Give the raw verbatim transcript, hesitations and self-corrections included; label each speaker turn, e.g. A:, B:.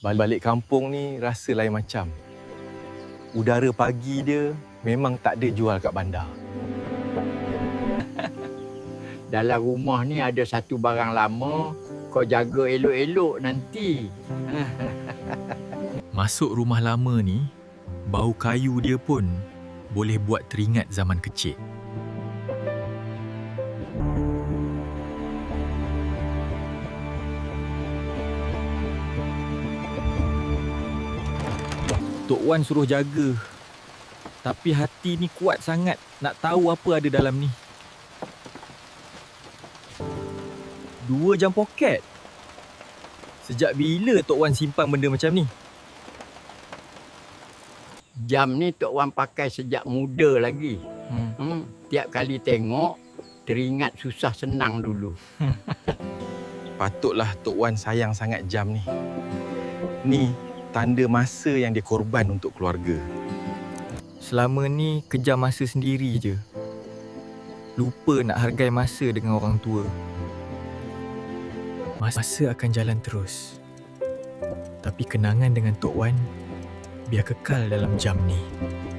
A: Balik kampung ni rasa lain macam. Udara pagi dia memang tak ada jual kat bandar.
B: Dalam rumah ni ada satu barang lama, kau jaga elok-elok nanti.
C: Masuk rumah lama ni, bau kayu dia pun boleh buat teringat zaman kecil. Tok Wan suruh jaga. Tapi hati ni kuat sangat nak tahu apa ada dalam ni. Dua jam poket. Sejak bila Tok Wan simpan benda macam ni?
B: Jam ni Tok Wan pakai sejak muda lagi.
C: Hmm.
B: Hmm, tiap kali tengok, teringat susah senang dulu.
A: Patutlah Tok Wan sayang sangat jam ni. Ni tanda masa yang dia korban untuk keluarga.
C: Selama ni kejar masa sendiri je. Lupa nak hargai masa dengan orang tua. Masa akan jalan terus. Tapi kenangan dengan Tok Wan biar kekal dalam jam ni.